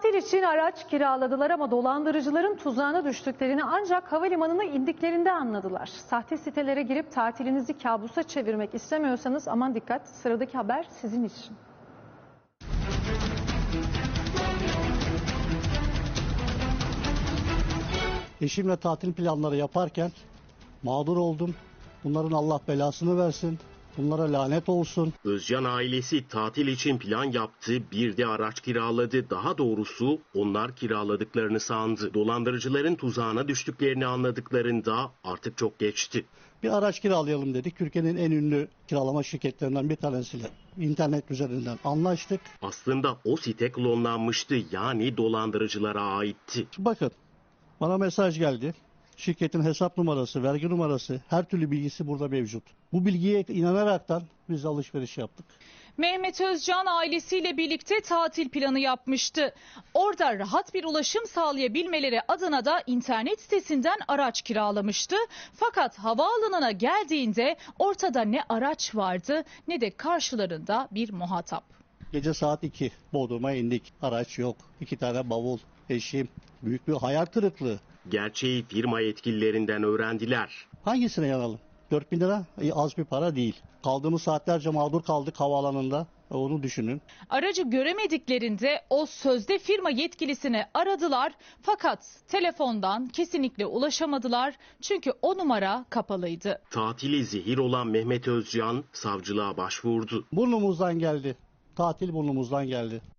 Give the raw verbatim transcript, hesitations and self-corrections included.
Tatil için araç kiraladılar ama dolandırıcıların tuzağına düştüklerini ancak havalimanına indiklerinde anladılar. Sahte sitelere girip tatilinizi kabusa çevirmek istemiyorsanız aman dikkat, sıradaki haber sizin için. Eşimle tatil planları yaparken mağdur oldum. Bunların Allah belasını versin. Bunlara lanet olsun. Özcan ailesi tatil için plan yaptı, bir de araç kiraladı. Daha doğrusu onlar kiraladıklarını sandı. Dolandırıcıların tuzağına düştüklerini anladıklarında artık çok geçti. Bir araç kiralayalım dedik. Türkiye'nin en ünlü kiralama şirketlerinden bir tanesiyle internet üzerinden anlaştık. Aslında o site klonlanmıştı, yani dolandırıcılara aitti. Bakın, bana mesaj geldi. Şirketin hesap numarası, vergi numarası, her türlü bilgisi burada mevcut. Bu bilgiye inanaraktan biz alışveriş yaptık. Mehmet Özcan ailesiyle birlikte tatil planı yapmıştı. Orada rahat bir ulaşım sağlayabilmeleri adına da internet sitesinden araç kiralamıştı. Fakat havaalanına geldiğinde ortada ne araç vardı ne de karşılarında bir muhatap. Gece saat iki Bodrum'a indik. Araç yok. İki tane bavul, eşim. Büyük bir hayal kırıklığı. Gerçeği firma yetkililerinden öğrendiler. Hangisine yanalım? dört bin lira e, az bir para değil. Kaldığımız saatlerce mağdur kaldık havaalanında. E, onu düşünün. Aracı göremediklerinde o sözde firma yetkilisini aradılar. Fakat telefondan kesinlikle ulaşamadılar. Çünkü o numara kapalıydı. Tatili zehir olan Mehmet Özcan savcılığa başvurdu. Burnumuzdan geldi. Tatil burnumuzdan geldi.